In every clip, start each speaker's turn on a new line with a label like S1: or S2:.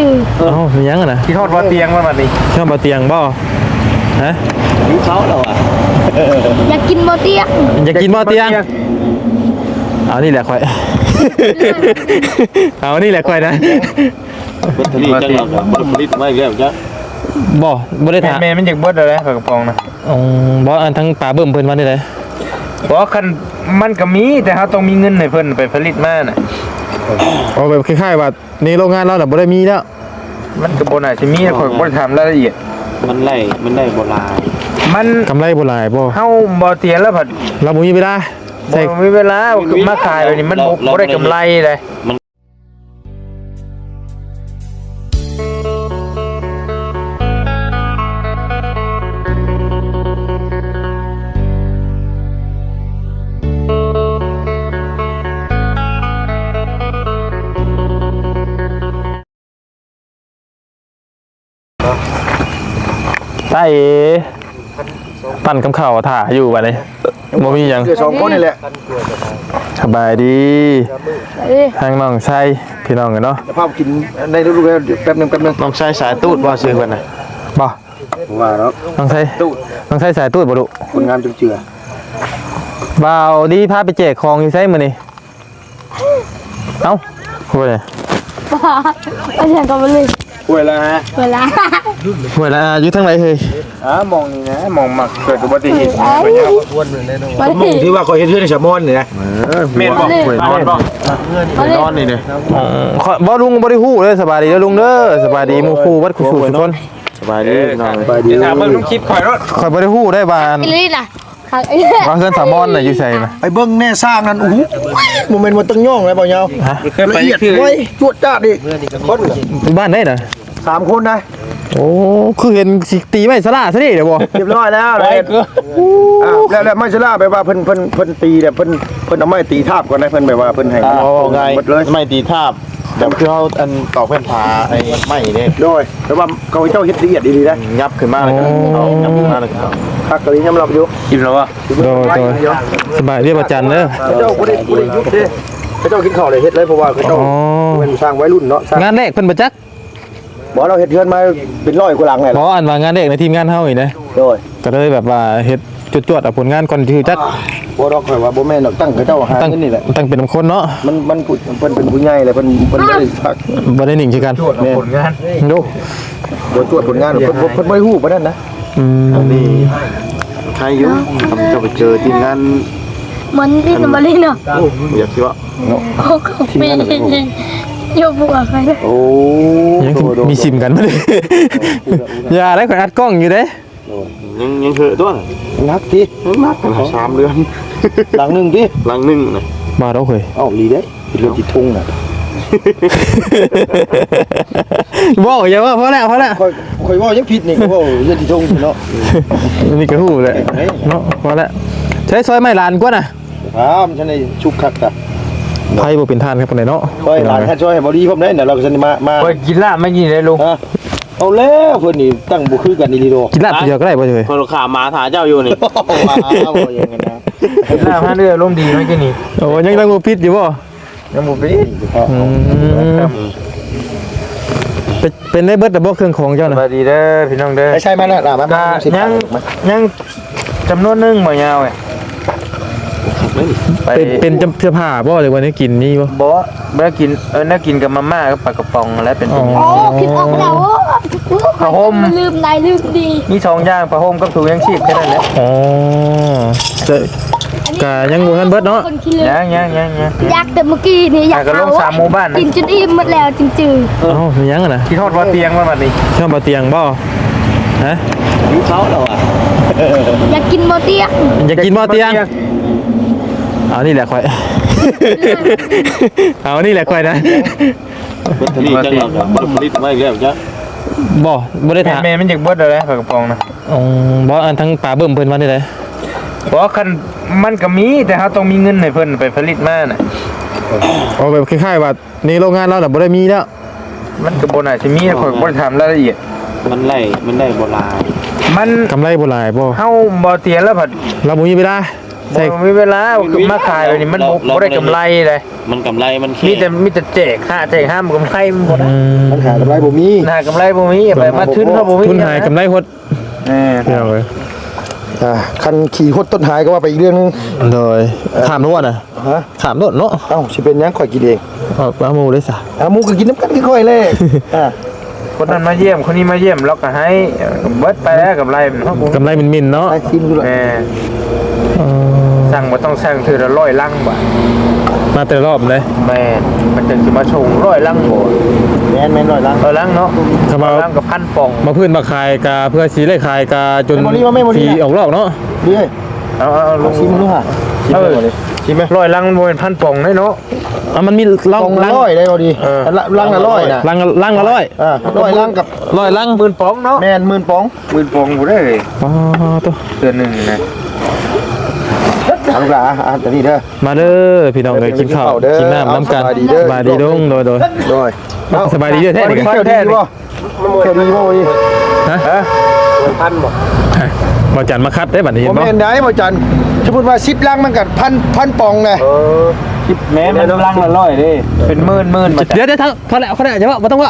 S1: จืด
S2: เอ้ามียังนะ
S3: ที่ทอดว่าเตียงว่าแบบนี้
S2: ชอบบ่เตียงบ่ฮะ
S4: หิวเขาเราอ่ะ
S1: อยากกินโมเตียง
S2: อยากกินบ่เตียงเอานี่แหละค่อยเอานี่แหละค่อยนะ
S4: เป็นทะเลจังหวัดบริผลิตไม่แล้วจ้ะ
S2: บ่ได้ถาม
S3: แม่มันอยากเบิดอะไรปลากระป๋องนะ
S2: บ่อันทั้งปลาเบิ่มเพิ่นว่าได้ได
S3: บอกคันมันก็มีแต่เขาต้องมีเงินให้เพิ่นไปผลิตมาน่ะ
S2: เอาแบบคล้ายๆว่าในโรงงานเราน่ะบ่ได้มีแล้ว
S3: มันก็บ่น่าจะมีนะข่อยก็บ่ได้ถามรายละเอียด
S4: มันได้โบราณ
S3: มัน
S2: กำไรบ่หลายบ่
S3: เฮาบ่เตียงแล้วผัด
S2: เราบ่มีเวลา
S3: บ่มีเวลามาขายแบบนี้มันบ่ได้กำไรเลย
S2: ตาเอปั่นคำข่าวถ่าอยู่บัดนี้บ่มีหยัง
S5: คือ2คนนี่แหละ
S2: สบายดี
S1: เอ้ย
S2: ทางน้องไส้พี่น้องกันเนาะ
S5: จะพากินในฤดูแล้วแป๊บนึง
S2: น้องไส้สายตูดบ่ซื้อเพิ่นน่ะบ่
S5: ว่าแล้ว
S2: น้องไส้น้องไส้สายตูดบ่ดุ
S5: คนงามเจือ
S2: บ่าวดีพาไปแจกของอยู่ไสมื้อนี้เอ้าโอ้ย
S1: บ้าเอาอย่างกันไปเลย
S3: ป่วยแล้วฮะ
S1: เวลา
S2: โอ้ยละอยู่ทางไหนเฮ้ย
S3: มองนี่นะมองมักเกิดอุบัติเหตุ
S1: มา
S5: ๆมึ
S1: ดิ
S5: งที่ว่าคอยเฮ็ดเฮือนในชะมอนนี่นะ
S3: แม่นบ่
S2: โอ้ยนอน
S1: มาดิ
S2: นอนนี่เด้บ่ลุงบ่ได้ฮู้เด้อสบายดีเด้อลุงเด้อสบายดีหมู่คู่วัดคู่ทุกคนสบายดีน้อง
S5: ไปดี
S3: ถามเบิ่งน้องคลิปข่อยรถ
S2: ข่อยบ่ได้ฮู้ได้ว่า
S1: อิลี่น่ะขังไอ้
S2: ว่าเฮือนสามอนน่ะอยู่ไสน่ะ
S5: ไอ้เบิ่งแน่สร้างนั่นโอ้โหโมเมนต์มันตั้งย่องเลยบ่ยาว
S3: เคยไป
S5: ละเอียด
S3: คือ
S5: ไว้จวดจ้าดอีกคน
S2: อยู่บ้านไหนน่ะ
S5: 3คนนะ
S2: โอ้คือเห็นสิตีไม้สลาซะนี่เด้อบ่
S5: เรียบร้อยแล้วเลยแล้วไม่ใช่ล่าไปว่าเพิ่นตีเนี่ยเพิ่นเอาไม้ตีทาบก่อนนะเพิ่นแบบว่าเพิ่นให้หมดเลย
S4: ไม่ตีทาบแต่คือเขาอันตอกเพื่อนผาไอ้ไม่เนี่ย
S5: โดยแต่ว่าเขาเจ้าเฮ็ดละเอียดดีๆนะ
S4: ยับขึ้นมาเลยครับเอายับขึ้นมาเลยครับ
S5: คักกะลียำรับอยู่
S3: กินแล้ววะ
S2: โดยสบายเรียบประจันเด้อ
S5: เจ้าบ่ได้ยุบเด้เขาเจ้ากินข้าวเลยเฮ็ดเลยเพราะว่าเขาเจ้าเป็นสร้างไว้รุ่นเนาะ
S2: งานแรกเพิ่นบ่จัก
S5: บ่เราเฮ็ดเฮือนมาเป็น100กว่าหลังแหละ
S2: บ่อันว่างานแรกในทีมงานเฮาอีกนะ
S5: โดย
S2: ก็เลยแบบว่าเฮ็ดจวดๆเอาผลงานก่อนที่จัก
S5: บ่ดอกข่อยว่าบ่แม่นดอกตั้งเขาเจ้าหา
S2: ตั้ง
S5: เงินนี่แหละ
S2: ตั้งเป็นคนเนาะ
S5: มันพูดเพิ่นเป็นผู้ใหญ่เลยเพิ่นบ่ได้พัก
S2: บ่ได้นิ่งคือกัน
S3: ผลงาน
S2: ดู
S5: บ่ตรวจผลงานเพิ่นบ่ได้ฮู้ปานนั้นนะ
S4: นี่ใครอยู่ทำจะไปเจอทีมงาน
S1: เหมือนพี่นมาลิเนาะ
S4: อยากคิดว่า
S1: โอ้ของปีโยบัวใครเนี่ย
S5: โอ้
S2: ยังมีซิมกันบ่ได้อย่าได้ข่อยอัดกล้องอยู่เด้
S4: ยังเหอะตัว
S5: นักติ
S4: นักกัน3 เดือน
S5: หลังนึงติ
S4: หลังนึงนะ
S2: มาแล้วเฮ้ย
S5: เอ้าดีเด้เป็นเรื่องที่ทุ่งน่ะ
S2: บ่อย่าว่าพอแล้ว
S5: ข่อยว่ายังผิดนี่ก็ว่าเรื่องที่ทุ่งเนาะ
S2: นี่ก็ฮู้แหละเนาะพอแล้วใช้ซอยไม้ลานกว่าน่ะ
S5: ฉันได้ชุกคักตะ
S2: ไผบ่เป็นท่านครับปานใดเนาะ
S5: ข่อยหลานท่านช่วยให้บ่ดีพร้อมได้น่ะเราก็สิมา
S3: ข่อยกินลาบไม่กินเลยลุง
S5: เอาแล้วเพิ่นนี่ตั้งบ่คือกันดีโด
S2: กินลาบเดียวก็ได้บ่เฮ้ย
S4: คนขามาถาเจ้าอยู่นี่
S5: ว้าวอย่างนั้นนะ
S3: กินลาบ5เดือนลมดีไม่กินนี่
S2: โอ้ยังตั้งบ่ผิดอยู่บ่
S3: ยังบ่ไป
S2: เป็นได้เบิดแต่บ่เครื่องของเจ้า
S3: ส
S2: น่ะ
S3: วัสดีเด้อพี่น้องเด้อ
S5: ใช่มั้ยล่ะมา
S3: ก็ยังจำนวนนึงบ่ยาวไงไป
S2: เป็นเสื้อผ้าบ่หรือว่าได้กินนี่บ่
S3: บ่บ่กินน่ากินกับมาม่ากับปลากระป๋องแล้วเป็นตัวนี้
S1: โอ้คิดออกแล้วโอ้ลืมนายลืมดี
S3: มี2อย่างผ้าห่มกับถุงยังชีพแค่นั้นแหละ
S2: อ๋อก็ยังบ่ทันเบิดเนาะ
S1: คนขี้ลืม
S3: ยัง
S1: อยากแต่เมื่อกี้นี่อยาก
S3: ก็ลง3หมู่บ้านนะ
S1: กินจนอิ่มหมดแล้วจริง
S2: เอ้ามียังอ่ะนะ
S3: ที่ทอดว่าเตียงว่าบัดนี้
S2: ชอบบ่เตียงบ่ฮะ
S4: หิวเขาเราอ่ะ
S1: ๆอยากกินโมเตียง
S2: อยากกินบ่เตียงเอานี่แหละค่อยเอานี่แหละค่อยนะ
S4: เป็นทะเลจังหวัดบริผลิตไม่แล้วจ้ะ
S2: บ่ได้ถาม
S3: แม่มันอยากเบิดอะไรปลากระป๋องนะ
S2: บ่อันทั้งปลาเบิ่มเพิ่นว่าได้ได
S3: บอกคันมันก็มีแต่เขาต้องมีเงินให้เพิ่นไปผลิตมาน่ะ
S2: เอาแบบคล้ายๆว่าในโรงงานเราน่ะบ่ได้มีแล้ว
S3: มันก็บ่น่าจะมีข่อยบ่ได้ถามรายละเอียด
S4: มันได้โบราณ
S3: มัน
S2: กำไรบ่หลายบ่
S3: เฮาบ่เตียงแล้วผัด
S2: เราบ่มีเวลาใช่
S3: มีเวลามาขายแบบนี้มันบ่ได้กำไรเลย
S4: มันกำไรมัน
S3: มีแต่แจกค่าแจกห้ามกำไรมันบ่ได้
S5: มันขายกำไรบ่มี
S3: หากำไรบ่มีไปมาทุนเฮาบ่มี
S2: ทุนหายกำไรหด พี่น้องเอ้ย
S5: คันขี่หดต้นหายก็ว่าไปอีกเรื่องนึง
S2: โดยขามนวดน่ะ
S5: ฮะ
S2: ขามนวดเนาะ
S5: เอ้าสิเป็นหยังข่อยกินเอง
S2: เอาหมูเลยซะ
S5: หมูก็กินน้ำกันค่อยๆเลย
S3: คนนั้นมาเยี่ยมคนนี้มาเยี่ยมเราก็ให้เบิดไปแล้วกำไรมันเฮาบ่
S2: กำไรมินๆเนาะ
S5: ไปชิมดูเลย
S3: สั่งบ่ต้องสั่งเทื่อละ100ลังบาท
S2: มาแต่รอบเลย
S3: แม่นมันจะสิมาชง100ลังบ่
S5: แม่นหน่อยลัง
S3: 100ลังเนาะ
S2: ถ้ามา
S3: ลังกับ1,000ปอง
S2: มาพื้นมาขายกาเพื่อสีได้ขายกาจนสีออกรอบเนาะ
S5: ดีเลย
S3: เอาลง
S5: ชิมดูฮะชิมดูเลยชิมไหม
S3: 100ลังบ่เป็น1,000ปองเนาะ
S2: มันมีลัง
S5: ปองละร้อยได้พอดีลังละร้อยนะ
S2: ลังละร้อย
S5: ร้อยลังกับ
S2: ร้อยลัง
S3: 10,000ปองเนาะ
S5: แม่น10,000ปอง
S3: 10,000ปองบ่ได้เลย
S2: อ๋อตัว
S3: เดือนหนึงนะ
S5: เอาลูกหลานแต่นี่เด้อ
S2: มาเด้อพี่น้องเลยกินข้าวกินน้ำน้ำกันสบายดีดงโดย
S5: โดย
S2: สบายดีเด้อแท้นี่กัน
S5: เที่ยวดีบ่เที่ยวดีบ่วันนี้
S2: ฮะบ่จันมาคัดได้บัดนี้
S5: บ่
S2: บ่
S5: แม่นได้บ่จันสมมุติว่า10ลังมันก็พันปองไง
S3: แม้มันลังละ100เด้เป็นหมื่นมา
S2: เดี๋ยวพอแล้วอย่าว่าบ่ต้องว่า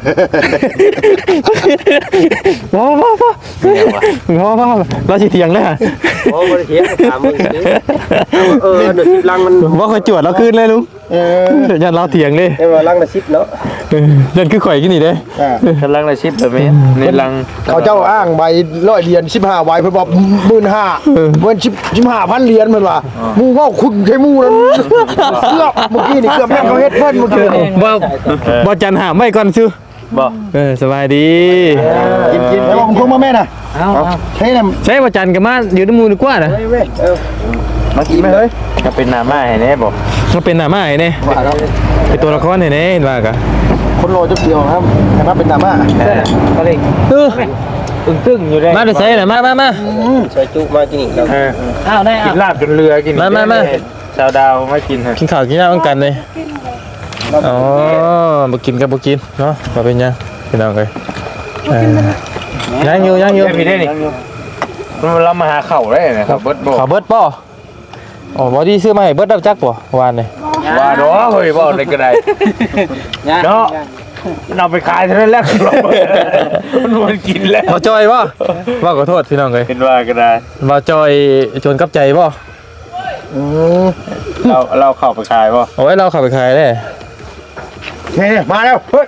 S2: ว้าวเราสิเถียงเลยฮะ
S4: โอ้บ่ได้เถียงถามมึง10ลังมัน
S2: ว่าค่อยจวดเราคืนเลยลุงยันเราเถียงเลย
S4: ได้ว่าลังละ10เนาะ
S2: ยันคือข่อยกินนี่เด้
S3: ลังละ10แบบนี้ในลัง
S5: เขาเจ้าอ้างใบ100เหรียญ15ใบเพิ่นบอก15,000เพิ่น15,000เหรียญเพิ่นว่าหมู่เว้าคุณใช่หมู่นั้นเกือบเมื่อกี้นี่เกือบแม่นเขาเฮ็ดเพิ่นเมื่อกี้นี่
S2: บ่จันหาไม่ก่อนซื้อ
S3: บ่
S2: สบายดี
S5: กินแล้วผมคงมาแม่น่ะใช่น่ะ
S2: ใช่บ่จันกับมาอยู่ในหมู่ดีกว่านะ
S5: มากินไหมเฮ้ย
S3: ก็เป็นหน้าม้าให้แน่บ่
S2: มันเป็นหน้าม้าไอ้นี่
S5: ว่าแล้ว
S2: เป็นตัวละครไอ้นี่เห็นว่ากะ
S5: คนโลจะเดียวครับแต่ว่าเป็นดราม่า
S3: ก็เลย ตึ้งอยู่ได้
S2: มาได้ใส่น่ะมา
S4: ใส่จุมากินอีกแล้ว
S3: อ้าวได้กินลาบจนเรือกินชาวดาวไม่กินฮะ
S2: กินข้าวกินน้ำกันเลยอ๋อบ่กินกับบ่กินเนาะบ่เป็นหยังพี่น้องเอ้ยยังอยู่
S3: พี่ได้นี่เรามาหาเข่าได้นะครับเบิดบ่
S2: ข้าวเบิดป่อ๋อบ่ดีซื้อมาให้เบิดดับจักบ่วานนี่
S3: ว่าดอเฮ้ยบ่ได้ก็ได้เนาะเอาไปขายเท่านั้นแหละมันกินแล้ว
S2: บ่จอยบ่ว่าขอโทษพี่น้องเอ้ย
S3: เป็นว่าก็ได้
S2: บ่จอยชวนกับใจบ่
S3: เราเข้าไปขายบ่
S2: เอาไว้เราเข้าไปขายได้
S5: เนี่ยมาแล้วเฮ้ย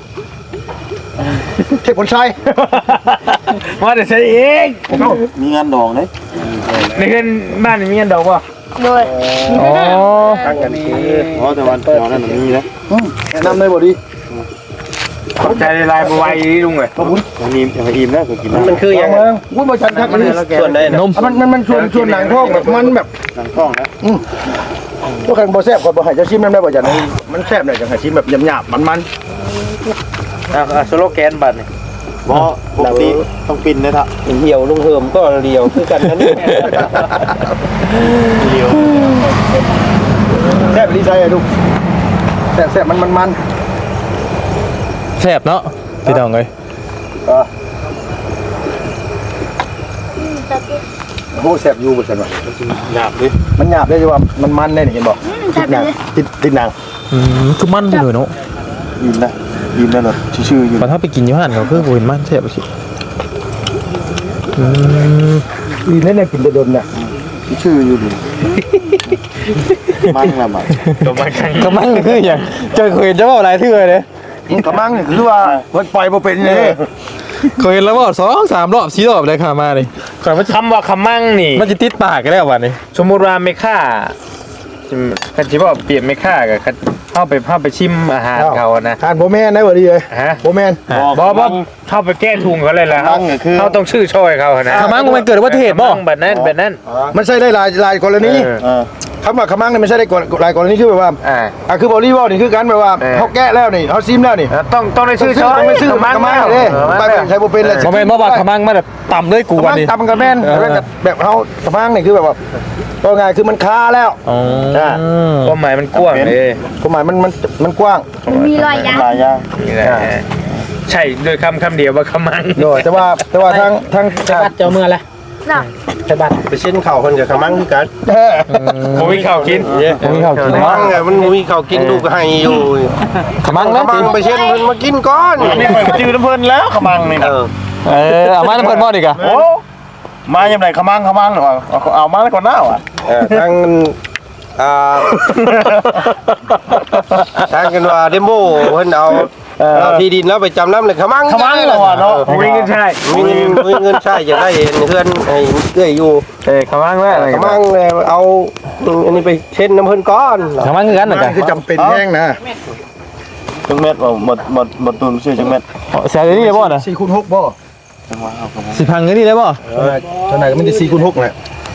S5: เทพผลชัย
S3: มาแต่ใช้เอง
S4: มีงานดองเด้
S3: ในเงินบ้านมีเงินดอกบ่
S1: โดย
S2: อ๋อ
S5: ตั้งกันที
S4: อ๋อแต่วันเดียวนั่นมันมีแล้ว
S5: แนะนำเลยบ่ดี
S3: ใจลายบ่ไหวลุงเอ้ย
S4: มันมีอิ่มแล้วก็กินมันคือยังไง
S5: วุ้ยบ่จันครับอันนี้
S4: ส่วนได้นะ
S2: นม
S5: มันชวนหนังท้องแบบมันแบบ
S4: หนังท้องนะ
S5: พวกกันบ่แซ่บกว่าบ่ให้เจ้าชิมนำได้บ่จันมันแซ่บหน่อยจังให้ชิมแบบหยาบๆมัน
S3: สโลแกนบัตรนี่
S4: บ่ปกติต้องปินนะท่ะ
S6: เหี่ยวลุงเหิมก็เรียวคือกันนั่น
S5: แซ่บดีใจอ่ะลูกแซ่บมัน
S2: แซ่บเนาะพี่น้องเอ้ย
S5: โอ้แซ่บอยู่บ่ซั่นว่า
S4: หยาบดิ
S5: มันหยาบได้ว่ามันได้นี่เห็นบ่ติดหนัง
S2: คือมันไปเลยเนาะ
S4: อิ่มนะอิ่มแล้วเนาะชื่อๆอยู่
S2: ตอนถ้าไปกินอยู่ห้านเขาคือบ่เห็นมันแซ่บสิ
S5: อีนั่นน่ะกินแต่ดนน่ะ
S4: ชื่ออยู่ดิมันละมัน
S2: ก็มันคือหยังเจอเคยเห็นจะเว้าหลายเทื่อเลย
S5: กระมังนี่คือว่ามันปล่อยบ่เป็นเลย
S2: เคยเห็นแล้วเว้า2 3รอบ4รอบเลยค่ะมานี่ก่อนมัน
S3: คำว่าคำมั่งนี่
S2: มันจะติดปากกันแล้ววันนี้
S3: สมมุติว่าไม่ค่าคันสิว่าเปลี่ยนไม่ค่ากับคันเข้าไปชิมอาหารเขานะ
S5: ทานบ่แม่นได้บ่ดีเลย
S3: ฮะ
S5: บ่แม่น
S3: บ่เข้าไปแก้ทุงเขาเลยล่ะเขาต้องชื่อช่อยเขานะ
S2: ขมังมันเกิดอุบัติเหตุบ่
S3: แบบนั้น
S5: มันใช้ได้หลายกรณีคำว่าขมังนี่มันใช้ได้หลายกรณีคือแบบว่าคือบอลลี่บอลนี่คือการแบบว่าเขาแกะแล้วนี่เขาซิมแล้วนี่
S3: ต้องได้ชื่อช่อย
S5: ไม่ซื้อขมังเลยไปใช้บ่เป็นเลย
S2: บ่แม่นบ่ว่าขมังมันแบบต่ำเลยกู
S5: ข
S2: วั
S5: มัน ง
S2: นี้
S5: ตำกันแม่นแบบเขาขมังนี่คือแบบว่าก็ไงคือมันค้าแล้ว
S2: อ๋อ
S3: ความหมายมันกว้างเลย
S5: ความหมายมันกว้าง
S1: มันมีรอยยาง
S4: หลายอย่าง
S3: นี่แหละใช่โดยคำเดียวว่าคำมั่ง
S5: โดยแต่ว่าทาง
S6: เจ้าเมื่อละ
S1: น่ะ
S6: ใช่บ้าน
S4: ไปเส้นเข่าคนกับขมังคือกัน
S3: ผมมีข้าวกิน
S2: ผมมีข้าวกิน
S4: ขมังไงมันมีข้าวกินลูกให้อยู่
S2: ขมัง
S4: ข
S2: นะ
S4: มังไปเส้นมันมากินก้อน
S3: นี่ไปจืดน้ำเพลินแล้วขมังนี่นะ
S2: เอามาน้ำเพิ่นบ่ดีกะ
S3: โอ้มายังไงขมังหรอเอามาแล้วก่อนหน้าว่ะ
S4: ทางทางกันว่าเดโมเพิ่นเอาที่ดินแล้วไปจำนำเลยขมัง
S3: ขมังเหรอเนาะมีเงินใช่
S4: มีเงินใช้อยากได้เห็นเพื่อนให้เอื้อยอยู่
S2: ขมังแล้ว
S4: ขมังเลยเอาอันนี้ไปเช็ดน้ำเพิ่นก้อน
S2: ขมังคือกันน่ะกะ
S5: คือจำเป็นแห้งนะ
S3: จังเม็ดว่าหมดตุนซื้อจังเม็ด
S2: แซ่ได้นี่บ่น่ะ
S5: 4คูณ6บ่
S2: สิพังเงินนี่ได้บ่
S5: เท่าไหร่ก็ไม่ได้4คูณ6แหละ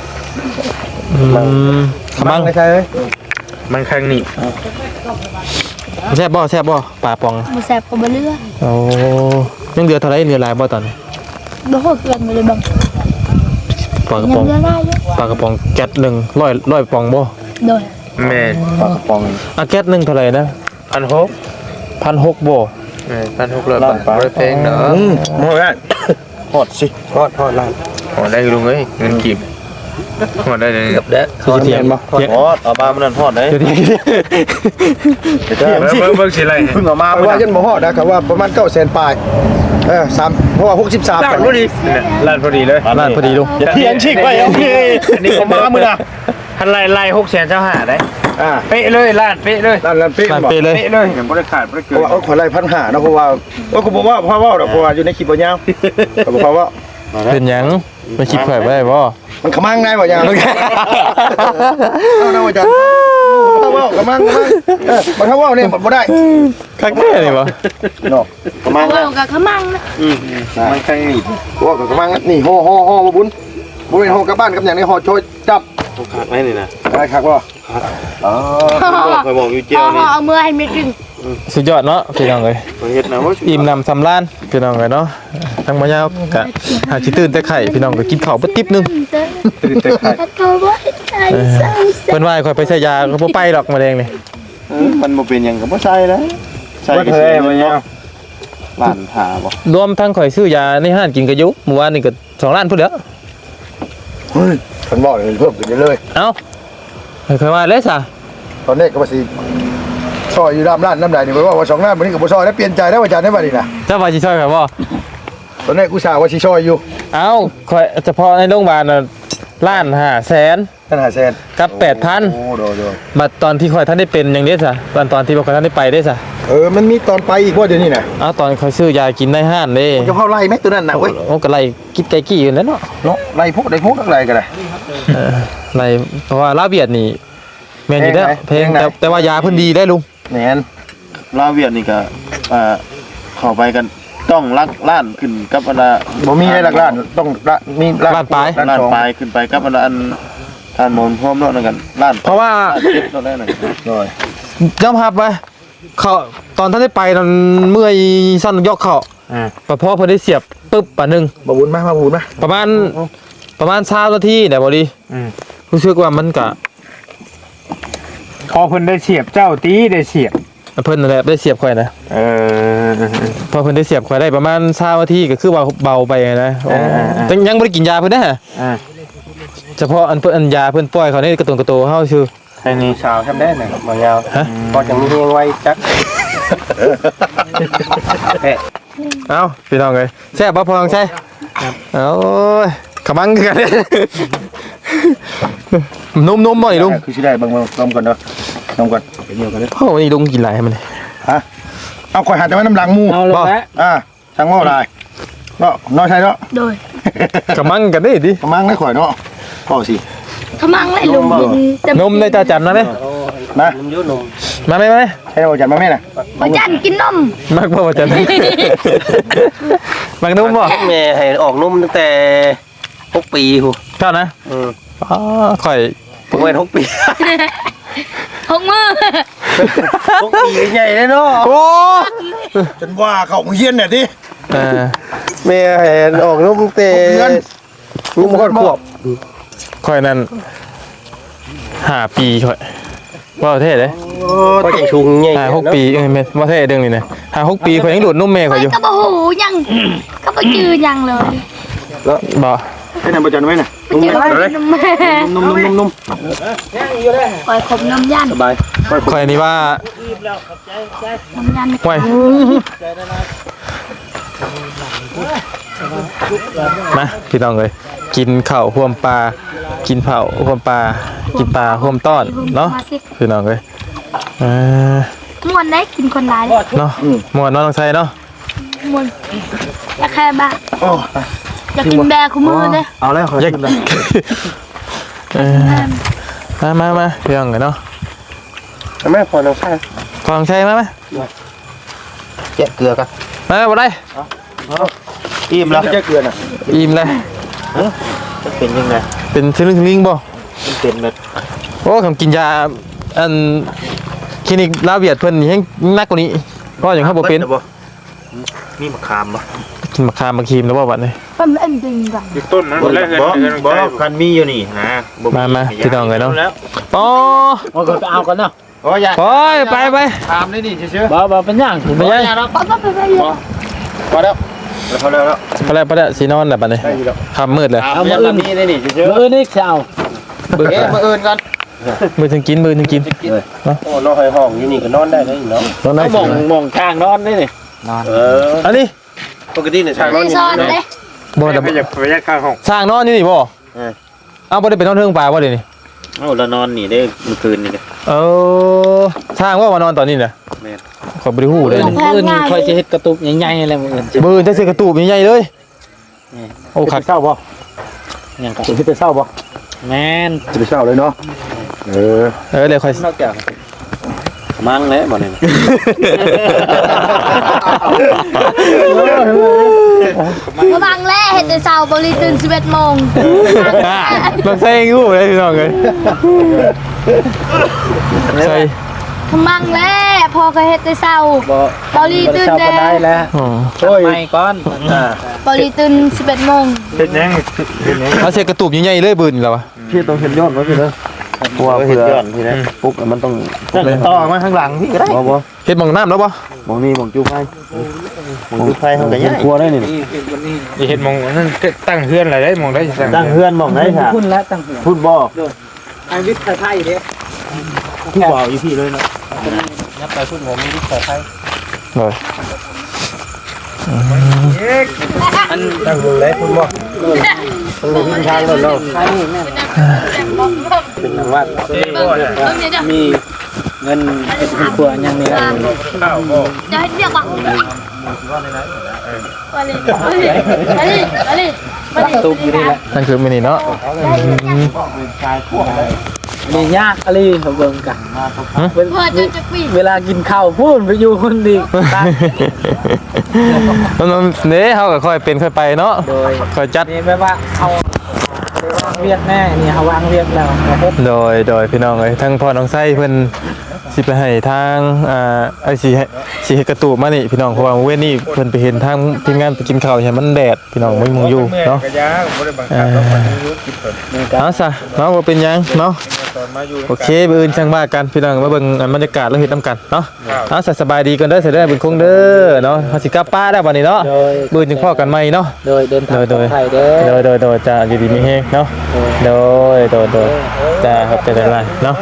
S2: ขมัง
S5: ไม่ใช่เอ้ย
S3: มันครั้งนี้
S2: แซ่บบ่ปลาปอง
S1: บ่แซ่บก็บ่เลือ
S2: โอ้ยังเหลือเท่าไหร่เหลือหลายบ่ตอนนี้
S1: บ่โหดเกินไปเลยบัง
S2: ปลากระ
S1: ยั
S2: ป๋อง
S1: งเลือได้อยู่
S2: ปลากระป๋องแก๊สหนึ่งร้อยปองบ่
S1: โดย
S3: แม่ปลากระป๋อง
S2: แก๊สหนึ่งเท่าไหร่นะ 1,600บ่
S3: 1,600 บาทบ่ได้แพงเนาะ
S5: โอ้ย
S3: ฮอดสิ
S4: ทอดลาด
S3: ฮอดได้ลุงเอ้ยเงินกีบฮอดได้เลย
S4: กับแดะ
S2: คือจะเถียงบ่เถียง
S3: ฮอดเอามามันนั่นฮอดได้
S2: เดี๋ยวเถียง
S3: เบิ่งสิไรเพิ่งเอามา
S5: เพราะว่ายันบ่ฮอดนะครับว่าประมาณ900,000ปลาย3เพราะว่า63
S3: ร้านพอดีร้านพอดีเลย
S2: ร้านพอดีลุง
S3: เถียงชิกไปโอเคอันนี้เอามามื้อน่ะทันไล่600,000เจ้าหาได้ เป๊ะเลยร้านเป๊ะเลย
S5: ร้านเป๊ะ
S2: ร้าน
S5: บ่
S2: เปเลย
S3: เป๊ะเลยบ่ได้ขาดบ่ได้
S5: เพ
S3: เกิ
S5: ราะ
S3: น
S5: ว่าขอไล่1,500นะเพราะว่าก็บอกว่าพ่อเว้าดอกเพราะว่าอยู่ในคลิปบ่ยาวก็บอกว่า
S2: เป็นหยังไปคิดข่อยบ่ได้บ่
S5: มันขมังได้บ่ยาวเอานะว่าจังถ้าเว้าขมังบ่ถ้าเว้าเนี่ยบ่ได้
S2: คักแท้นี่บ่
S5: เนาะขมัง
S1: เอากับขมังนะ
S3: มันครั้งนี้
S5: ว่ากับขมังนี่ห่อบ่บุญบ่เป็นห่อกลับบ้านกับหยังในห่อโชยจับ
S3: ขาดไหมนี่นะ
S5: ได้ครับบ่
S3: คอยบอกอยู่เจียวนี่
S1: เอามือให้เม็ดกึ่ง
S2: สุดยอดเนาะพี่น้องเอ้ย
S3: เฮ็ดนะว่า
S2: อิ่มนำสำราญพี่น้องเอ้ยเนาะทั้งบ่ยาวกะหาสิตื่นแต่ไข่พี่น้องก็กินข้าวบ่ติ๊บนึง
S1: ก็บ่ใจใส่
S2: เพิ่นว่าให้ข่อยไปใช้ยาก็บ่ไปดอกมะเร็งนี่
S3: มันบ่เป็นหยังก็บ่ใช่แล้วใช่ก็ใช่บ่ยาวล้านหาบ่
S2: รวมทั้งข่อยซื้อยาในห้างกินก็อยู่เมื่อวานนี่ก็2ล้านพุ่นแล้ว
S5: เฮ้ยเพิ่นบอกเลยเพิ่มขึ้นเลย
S2: เอ้าข่อยว่าเลยซะ
S5: ตอนนี้ก็ว่าสิซอยอยู่ร้านน้ำใดนี่บ่ว่า2ล้านมื้อนี้ก็บ่ซอยแล้วเปลี่ยนใจแล้วว่าจานได้บัดนี้นะ
S2: เจ้าว่าสิช่วยข่อยบ่
S5: ตอนนี้กูสาว่าสิซอยอยู่
S2: เอ้าข่อยเฉพาะในโรงพยาบาลน่ะล้าน5แสน
S5: นั่น500,000
S2: กับ 8,000
S5: โอ้โด
S2: บัดตอนที่ข่อยท่านได้เป็นอย่างนี้ซะตอนที่บ่ข่อยท่านได้ไปได้ซะ
S5: มันมีตอนไปอีกว่าเดี๋ยวนี้น่ะ
S2: เอาตอนข่อยซื้อยากินในห้างเด้
S5: จะเข้าไล่ไหมตัวนั้นน่ะเว้ย
S2: โอ้ก็ไล่กิดไก่กี้อยู่แล้วเนาะ
S5: เนาะไล่พวกได้พวกอะไรก็ได้
S2: ไล่เพราะว่าลาเวียดนี่แม่นอยู่แล้วเพลงแต่ว่ายาเพิ่นดีได้ลุง
S5: แม่น
S3: ลาวเวียดนี่ก็เข้าไปกันต้องลักล้านขึ้นกับอันละ
S5: บ่มีได้หลักล้านต้องมี
S2: ล้านปลาย
S3: ล้านปลายขึ้นไปกับอันละอันทานหมอนพร้อมเนาะนั่นกันล้าน
S2: เพราะว่า
S3: เจ็บเนาะได้นั่น
S2: ยอมรับไว้เขาตอนท่านได้ไปตอนเมื่อยสั้นยกเขาพอเพิ่นได้เสียบปึ๊บปะนึง
S5: บ่บุญมาบุญมา
S2: ประมาณ20นาทีเนี่ยบ่ดีรู้สึกว่ามันก็
S3: พอเพิ่นได้เสียบเจ้าตีได้เสียบ
S2: เพิ่นนั่นแหละได้เสียบข่อยนะพอเพิ่นได้เสียบข่อยได้ประมาณ20นาทีก็คือว่าเบาไปนะแต่ยังบ่ได้กินยาเพิ่นนะเฉพาะอันเพิ่นอันยาเพิ่นปล่อยเขานี่กระตุนกระโตเฮาชื่อ
S3: ใช่นี่
S6: สาวทำได้น่ะบ่ยาว
S2: ฮะ
S6: พอจังมีเฮงไว้จัก
S2: เอ้าพี่น้องเอ้ยแซ่บบ่พอลองใช่โอ้ยขมังกันนุ่มๆบ่นี่ลุง
S5: คือสิได้เบิ่งนมก่อนเด้อนมก่อนเดียวกันเด้อ
S2: โอ้นี่ลุงกินหลายให้มัน
S5: ฮะเอาข่อยหาแต่ว่าน้ำหลังหมู่
S6: เอาลงแล้ว
S5: ช่างว่าได้เนาะน้อยใช่เนาะ
S1: โดย
S2: ขมังกันได้ดิ
S5: ประมาณได้ข่อยเนาะพ่อสิ
S1: ขมังเลยลุง
S2: นมได้ตาจันนะไหม
S5: มา
S6: มันอยู่นม
S2: มาไหม
S5: ให้เราจัดมาแม่น่ะ
S1: บ่จันกินนม
S2: มักบ่จันมักนุ่มบ่
S6: แม่ให้ออกนมตั้งแต่6 ปีหู
S2: เท่านะอ๋อข่อย
S6: ผมเป็น6 ปี
S1: หกมือ
S6: 6 ปีใหญ่เลยเนาะ
S2: โอ้
S5: จนว่าเข้าเฮียนน่ะติ
S6: แม่ให้ออกนมตั้งแต่
S5: เงิน
S6: ลูกมันขวบ
S2: ข่อยนั่น5 ปีข่อยว่าเท่เลย
S6: ก็จังชุงใหญ่
S2: 5-6 ปีแม่นว่าเท่เด้งนี่นะ5-6 ปีข่อยยังดูดนมแม่ข่อยอยู่
S1: ก็บ่หูยังก็บ่จือยังเลย
S2: บ่
S5: ให้นำประจันไว้น่ะ
S1: เจอน้ำแม่
S5: นุ่ม
S1: คอยขมน้ำยัน
S5: สบาย
S2: ข่อยนี่ว่า
S1: น้ำยัน
S2: ห่วยมาพี่น้องเลยกินข้าวห่วมปลากินเผาห่วมปลากินปลาห่วมต้อนเนาะพี่น้องเลย
S1: ม่วนได้กินคนร้าย
S2: เนาะหมวดน้องใส่เนาะ
S1: ม่วนอยากแค่บ้าอยากกินแบร์คู่มือเลย
S5: เอาแล้วขอ
S2: อยากมาพี่น้องเลยเนาะ
S4: แม่พอน้องชาย
S2: ฟังใช่ไหม
S4: แกะเกลือกัน
S2: มาบ่ได้
S4: อิ่มแล้ว
S5: จะเกลือน่ะ
S2: อิ่มเลย
S4: เป็นยังไง
S2: เป็นทะลึ่งลิงบ่
S4: มันเป็นแบบ
S2: โอ้คำกินยาอันคลินิกลาเวียดเพิ่นยังนักกว่านี้ก็อย่างครับบ่เป็น
S4: มีมะขามบ่
S2: กินมะขามมะครีมแล้วบ่บัดนี้
S1: เป็นเอ็นจริงก่อน
S3: อยู่ต้นนั้นแรกเลย
S4: บ่คันมีอยู่นี่ฮะ
S2: มาพี่น้องเลยเนาะปอ
S3: มันก็เอากันเนาะ
S4: โอ้ย
S2: ไป
S4: ถามได้ดิเชื่อ
S3: บ่เป็นย่าง
S2: ไม่ใช่
S1: ป๊อปไปเลย
S4: พอแล้วพอแล้ว
S2: ไปแล้วสีนอนแล้วบัดนี้ค่ำมืดเลย
S3: เอามืออื่น
S4: มีได้ดิเชื่อ
S3: มืออื่นนี่จะเอา
S4: มืออื่นกัน
S2: มือถึงกิน
S4: โอ้นอนห้องอยู่นี่ก็นอนได้เลยเนาะ
S2: นอนได้
S3: มองข้างนอนได้นี่
S2: อันนี้
S4: ปกติเนี่ยช่างนอน
S1: ไม่
S4: อยู่
S1: ซ่อน
S4: นี่
S1: เลย
S2: บ่แต่
S3: ไม่อยากไปยัดข้างห้อง
S2: สร้างนอนอยู่นี่บ่เอาบ่ได้ไปนอนเทิงป่าบ่เดี๋ยวนี้
S6: เอ้าเรานอนนี่ได้เมื่อคืนนี่เลย
S2: สร้างว่ามานอนตอนนี้น่ะขอยบ่ได้ฮู้เลย
S3: มืออื่นคอยจะเฮ็ดกระตุกใหญ่ๆอะไรมืออื่น
S2: มือจะสิกระตูบใหญ่ๆเลยโอ้คัก
S5: เศร้าบ่
S3: อย่างกัน
S5: จะเศร้าบ่
S3: แม่น
S5: จะเศร้าเลยเนาะ
S2: เลยค่อย
S3: นอกจาก
S6: มั่งแล้วบ่เนี่ย
S1: ระวังแล่เห็ดแต่เช้าบริตื่น11 โมง
S2: ต้องใส่ฮู้เลยพี่น้องเอ้ยใส่
S1: ขมังแล่พอก็เห็ดแต่เช้าบริตื่น
S3: เช้า
S1: แล้
S3: ก็ได้แล้ว
S2: อ๋อ
S3: ไม่ก่อน
S1: บริตื่น11 โมง
S3: เป็นยัง
S2: เอาเสียกระตูบใหญ่ๆเลยบืนแล้ววะ
S5: พี่ต้องเห็นยอดไว้พี่เด้อ
S4: ตัวเพื่อนพี่นะปุ๊บมันต้อง
S5: ต่อมาข้างหลังพี่ก็ได้บ่
S2: เฮ็ดหม่องน้ำแล้วบ่
S5: มองนี่มองจูไฟ
S4: มันดูไฟเขาก็ยัง
S5: กลัวได้นี่
S3: นี่เห็นมองนั่นตั้งเฮือนอะไรได้มองได้สั่ง
S5: ตั้งเฮือนมองได้ค่ะ
S3: พุ่นแล้วตั้งเฮือน
S5: พูดบ่
S3: ไอ้วิทย์ไทยเด้
S5: ผู้บ่าวอยู่พี่เลยเนาะ
S2: เลย
S4: ตั้งวงไหนคุณบ่
S5: ทางเลยเนาะ
S4: เป็นทางวัด
S3: มีเงินเป็นตัวยังนี่
S1: จะให้เรียกว่ามาดิ
S3: ตุกอยู่นี่แหละ
S2: นั่นคือมินิเนาะ
S3: นี่ยากอะไรเขาเบิ่งกัน
S1: เพื่อจะปี
S3: เวลากินข้าวพูดไปอยู่คนดี
S2: น้องๆเฮาก็ค่อยเป็นค่อยไปเนาะ
S3: โดย
S2: ค่อยจัด
S3: นี่แปลว่าเอาวางเวียดแน่นี่เขาวางเวียดแล้วนะครับ
S2: โดยพี่น้องเอ้ยทั้งพ่อน้องไส้เพิ่นสิไปให้ทางไอ้สิให้กระตูบมานี่พี่น้องเพราะว่าเว้นนี่เพิ่นไปเห็นทางทีมงานไปกินข้าวเห็นมันแดดพี่น้องไม่มองอยู่เนาะ
S3: กระยาบ่ได้บังคับแล้วมันรู้กินเปิด
S2: เอาซะเนาะบ่เป็นหยังเนาะโอเคมื้ออื่นจังว่ากันพี่น้องมาเบิ่งบรรยากาศแล้วเฮ็ดนํกันเนาะเอาซะสบายดีกันเด้อเสิได้บุญคงเด้อเนาะเฮาสิกลับป้าแล้วบัดนี้เนาะมื้อจึงพ้อกันใหม่เนาะ
S3: โดยเดินทางปลอดภัยเด้
S2: โดยจะอยู่ดีมีเฮงเนาะโดยจะครับจะได้ไรเนาะ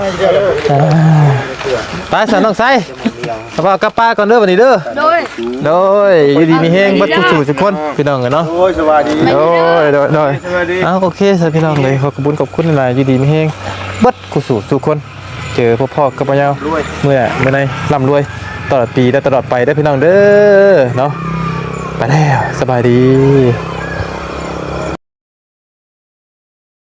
S2: ไปสันน้องไส้เอากลับป้าก่อนเด้อวันนี้เด้อโดยอยู่ดีมีเฮงบัดผู้ทุกคนพี่น้องกันเนาะ
S5: โอ้ยสวัสดี
S2: โดยโอเคสวัสดีพี่น้องเลยขอบคุณหลายอยู่ดีมีเฮงบัดผู้ทุกคนเจอพ่อกับพ่อยาวเมื่อไหร่ร่ำรวยตลอดปีและตลอดไปได้พี่น้องเด้อเนาะไปแล้วสบายดี